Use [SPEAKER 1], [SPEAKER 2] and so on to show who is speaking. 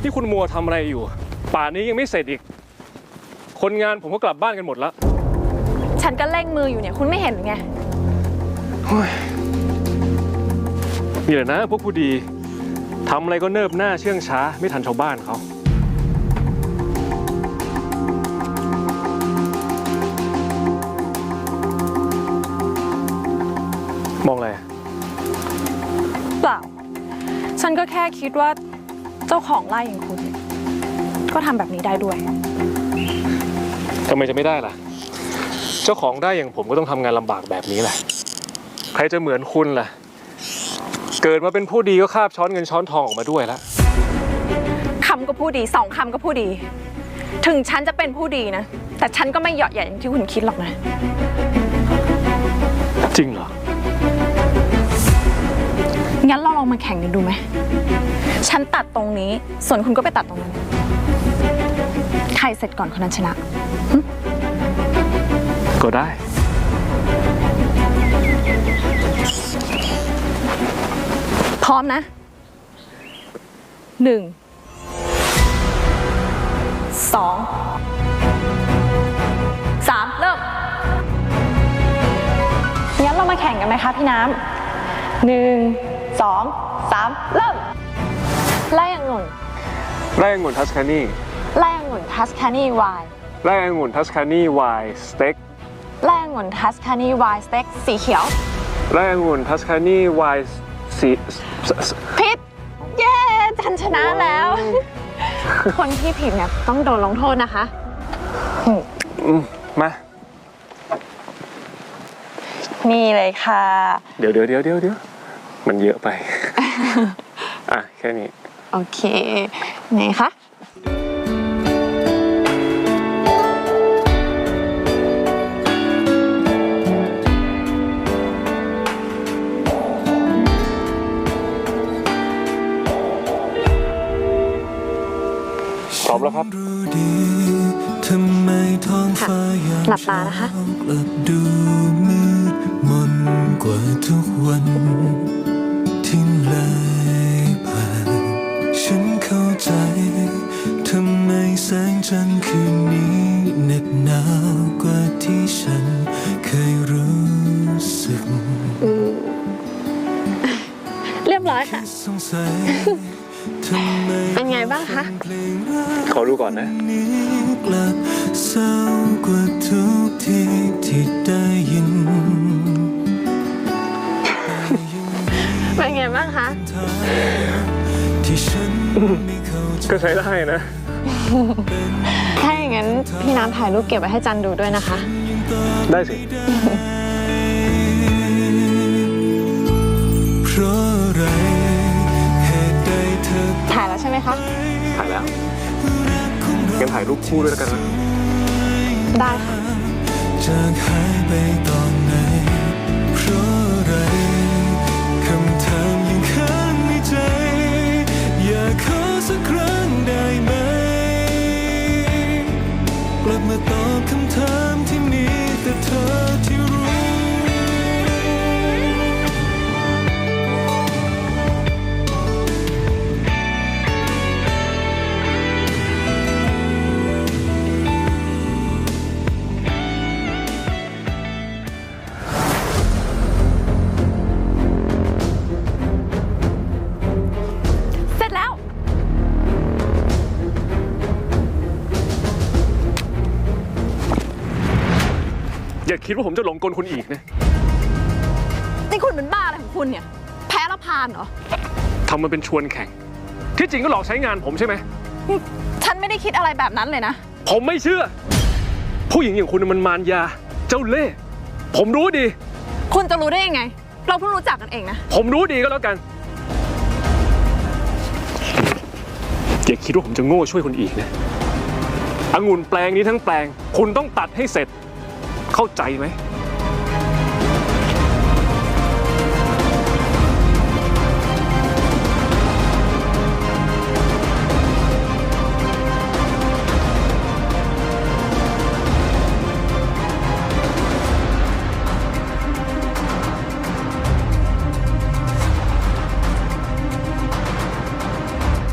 [SPEAKER 1] นี่คุณมัวทำอะไรอยู่ป่านนี้ยังไม่เสร็จอีกคนงานผมก็กลับบ้านกันหมดแล้ว
[SPEAKER 2] ฉันก็เร่งมืออยู่เนี่ยคุณไม่เห็นหรือไง
[SPEAKER 1] มีแต่นะพวกผู้ดีทำอะไรก็เนิบหน้าเชื่องช้าไม่ทันชาวบ้านเขามองอะไร
[SPEAKER 2] เปล่าฉันก็แค่คิดว่าเจ้าของไร่อย่างคุณก็ทำแบบนี้ได้ด้วย
[SPEAKER 1] ทำไมจะไม่ได้ล่ะเจ้าของได้อย่างผมก็ต้องทำงานลำบากแบบนี้แหละใครจะเหมือนคุณล่ะเกิดมาเป็นผู้ดีก็คาบช้อนเงินช้อนทองออกมาด้วยแล้ว
[SPEAKER 2] คำก็ผู้ดีสองคำก็ผู้ดีถึงฉันจะเป็นผู้ดีนะแต่ฉันก็ไม่เหยาะแหย่อย่างที่คุณคิดหรอกนะ
[SPEAKER 1] จริงเหรอ
[SPEAKER 2] งั้นเราลองมาแข่งกันดูไหมฉันตัดตรงนี้ส่วนคุณก็ไปตัดตรงนั้นใครเสร็จก่อนคนนั้นชนะ
[SPEAKER 1] ก็ได้
[SPEAKER 2] พร้อมนะ1 2 3เริ่มงั้นเรามาแข่งกันไหมคะพี่น้ำ1 2 3เริ่มไล่องุ่น
[SPEAKER 1] ไล่องุ่นทัสคานี
[SPEAKER 2] ไล่องุ่นทัสคานีไวน์
[SPEAKER 1] ไล่องุ่นทัสคานีไวน์สเต็ก
[SPEAKER 2] ไล่องุ่นทัสคานีไวน์สเต็กสีเขียว
[SPEAKER 1] ไล่องุ่นทัสคานีไวน์สี
[SPEAKER 2] ผิดเย้ฉันชนะแล้ว คนที่ผิดเนี่ยต้องโดนลงโทษนะคะ
[SPEAKER 1] มา
[SPEAKER 2] นี่เลยค่ะ
[SPEAKER 1] เดี๋ยวมันเยอะไป อ่ะแค่นี้
[SPEAKER 2] โอเคไหนคะ
[SPEAKER 1] พร้อมแล้วครับ
[SPEAKER 2] หลับตานะคะ
[SPEAKER 3] ดูมืดมนกว่าทุกวันที่เลยผ่านฉันเข้าใจทำไมแสงจันทร์คืนนี้เหน็บหนาวกว่าที่ฉันเคยรู้สึก
[SPEAKER 2] เรียบร้อยค่ะเป็นไงบ้างคะ
[SPEAKER 1] ขอดูก่อนนะ
[SPEAKER 3] เศร้ากว่าทุกทีที่ได้ยิน
[SPEAKER 2] เป็นไงบ้างคะ
[SPEAKER 1] ก็ใช้ได้นะ
[SPEAKER 2] ถ้าอย่างนั้นพี่น้ำถ่ายรูปเก็บไว้ให้จันดูด้วยนะคะ
[SPEAKER 1] ได้สิ
[SPEAKER 2] ถ่ายแล้วใช่ไหมคะ
[SPEAKER 1] ถ่ายแล้วงั้นถ่ายรูปคู่ด้วยแล้วกันนะ
[SPEAKER 2] ได้ค่ะ
[SPEAKER 3] จากหายไปตอนไหนเพราะอะไรคำถามยังค้างในใจอยากขอสักครั้งได้ไหมกลับมาตอบคำถามที่มีแต่เธอที่รู้
[SPEAKER 1] อย่าคิดว่าผมจะหลงกลคุณอีกนะ
[SPEAKER 2] นี่คุณเป็นบ้าอะไรของคุณเนี่ยแพ้แล้วพานเหรอ
[SPEAKER 1] ทำมันเป็นชวนแข่งที่จริงก็หลอกใช้งานผมใช่ไหม
[SPEAKER 2] ฉันไม่ได้คิดอะไรแบบนั้นเลยนะ
[SPEAKER 1] ผมไม่เชื่อผู้หญิงอย่างคุณมันมารยาเจ้าเล่ห์ผมรู้ดี
[SPEAKER 2] คุณจะรู้ได้ยังไงเราเพิ่งรู้จักกันเองนะ
[SPEAKER 1] ผมรู้ดีก็แล้วกันอย่าคิดว่าผมจะโง่ช่วยคุณอีกนะองุ่นแปลงนี้ทั้งแปลงคุณต้องตัดให้เสร็จเข้าใจไหม